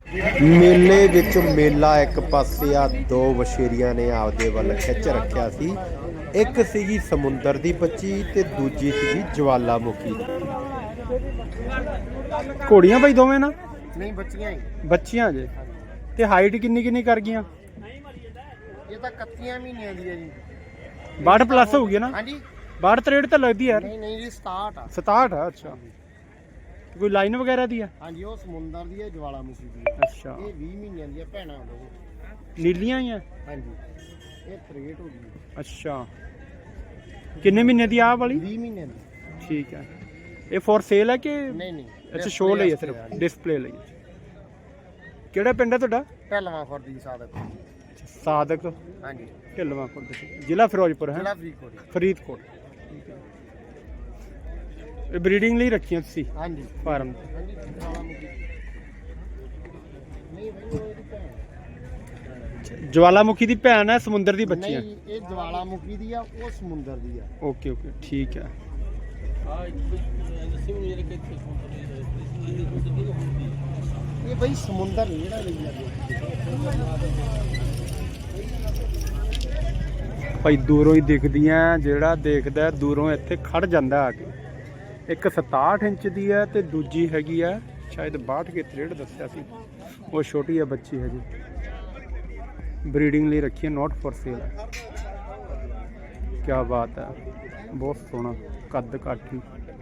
ਮੇਲੇ ਵਿੱਚ ਮੇਲਾ ਇੱਕ ਪਾਸੇ ਆ, ਦੋ ਵਛੇਰੀਆਂ ਨੇ ਆਪਦੇ ਵੱਲ ਖਿੱਚ ਰੱਖਿਆ ਸੀ। ਇੱਕ ਸੀਗੀ ਸਮੁੰਦਰ ਦੀ ਬੱਚੀ ਤੇ ਦੂਜੀ ਸੀਗੀ ਜਵਾਲਾਮੁਖੀ। ਘੋੜੀਆਂ ਭਾਈ ਦੋਵੇਂ ਨਾ? ਨਹੀਂ ਬੱਚੀਆਂ ਹੀ। ਬੱਚੀਆਂ ਜੇ। ਤੇ ਹਾਈਟ ਕਿੰਨੀ ਕਿੰਨੀ ਕਰ ਗਈਆਂ? ਇਹ ਤਾਂ 31 ਮਹੀਨਿਆਂ ਦੀ ਹੈ ਜੀ। 62 ਪਲੱਸ ਹੋ ਗਈ ਨਾ? ਹਾਂਜੀ 62 63 ਤਾਂ ਲੱਗਦੀ ਯਾਰ। ਨਹੀਂ ਨਹੀਂ ਜੀ 67 ਆ। 67 ਆ। ਅੱਛਾ, ਕੋਈ ਲਾਈਨ ਵਗੈਰਾ ਦੀ ਆ? ਹਾਂਜੀ ਉਹ ਸਮੁੰਦਰ ਦੀ ਹੈ, ਜਵਾਲਾਮੁਖੀ ਦੀ ਹੈ। ਅੱਛਾ, ਇਹ 20 ਮਹੀਨਿਆਂ ਦੀ ਹੈ, ਭੈਣਾਂ ਉਹ। ਨੀਲੀਆਂ ਹੀ ਆ? ਹਾਂਜੀ ਇਹ 63 ਹੋ ਗਈ। ਅੱਛਾ, ਕਿੰਨੇ ਮਹੀਨੇ ਦੀ ਆ ਵਾਲੀ? 20 ਮਹੀਨਿਆਂ ਦੀ। ਠੀਕ ਹੈ। ਇਹ ਫੋਰ ਸੇਲ ਹੈ ਕਿ? ਨਹੀਂ ਨਹੀਂ ਅੱਛਾ, ਸ਼ੋਅ ਲਈ ਹੈ, ਸਿਰਫ ਡਿਸਪਲੇ ਲਈ। ਕਿਹੜਾ ਪਿੰਡ ਹੈ ਤੁਹਾਡਾ? ਪਹਿਲਵਾਂ ਖੁਰਦੀ ਸਾਦਕ। ਸਾਦਕ ਹਾਂਜੀ ਢਿੱਲਵਾਂ ਖੁਰਦ, ਜ਼ਿਲ੍ਹਾ ਫਿਰੋਜ਼ਪੁਰ ਹੈ? ਜ਼ਿਲ੍ਹਾ ਫਰੀਦਕੋਟ। ਫਰੀਦਕੋਟ। ਠੀਕ ਹੈ। ਇਹ ਬਰੀਡਿੰਗ ਲਈ ਰੱਖੀਆਂ ਤੁਸੀਂ ਹਾਂਜੀ ਫਾਰਮ? ਹਾਂਜੀ ਜਵਾਲਾਮੁਖੀ। ਨਹੀਂ ਭਾਈ ਉਹ ਇਹਦੀ ਭੈਣ। ਜਵਾਲਾਮੁਖੀ ਦੀ ਭੈਣ ਹੈ, ਸਮੁੰਦਰ ਦੀ ਬੱਚੀ ਹੈ? ਨਹੀਂ ਇਹ ਜਵਾਲਾਮੁਖੀ ਦੀ ਆ, ਉਹ ਸਮੁੰਦਰ ਦੀ ਆ। ਓਕੇ ਓਕੇ, ਠੀਕ ਹੈ। ਇਹ ਬਈ ਸਮੁੰਦਰ ਨਹੀਂ ਜਿਹੜਾ ਲਈ ਜਾਂਦੇ। ਭਾਈ ਦੂਰੋਂ ਹੀ ਦਿਖਦੀਆਂ, ਜਿਹੜਾ ਦੇਖਦਾ ਦੂਰੋਂ ਇੱਥੇ ਖੜ ਜਾਂਦਾ ਆ ਕੇ। ਇੱਕ 67 ਇੰਚ ਦੀ ਹੈ ਤੇ ਦੂਜੀ ਹੈਗੀ ਆ ਸ਼ਾਇਦ 62 ਕੇ 63 ਦੱਸਿਆ ਸੀ। ਉਹ ਛੋਟੀ ਹੈ ਬੱਚੀ ਹਜੇ, ਬਰੀਡਿੰਗ ਲਈ ਰੱਖੀ ਹੈ, ਨੋਟ ਫॉर ਸੇਲ ਹੈ। ਕੀ ਬਾਤ ਹੈ, ਬਹੁਤ ਸੋਹਣਾ ਕੱਦ ਕਾਠੀ।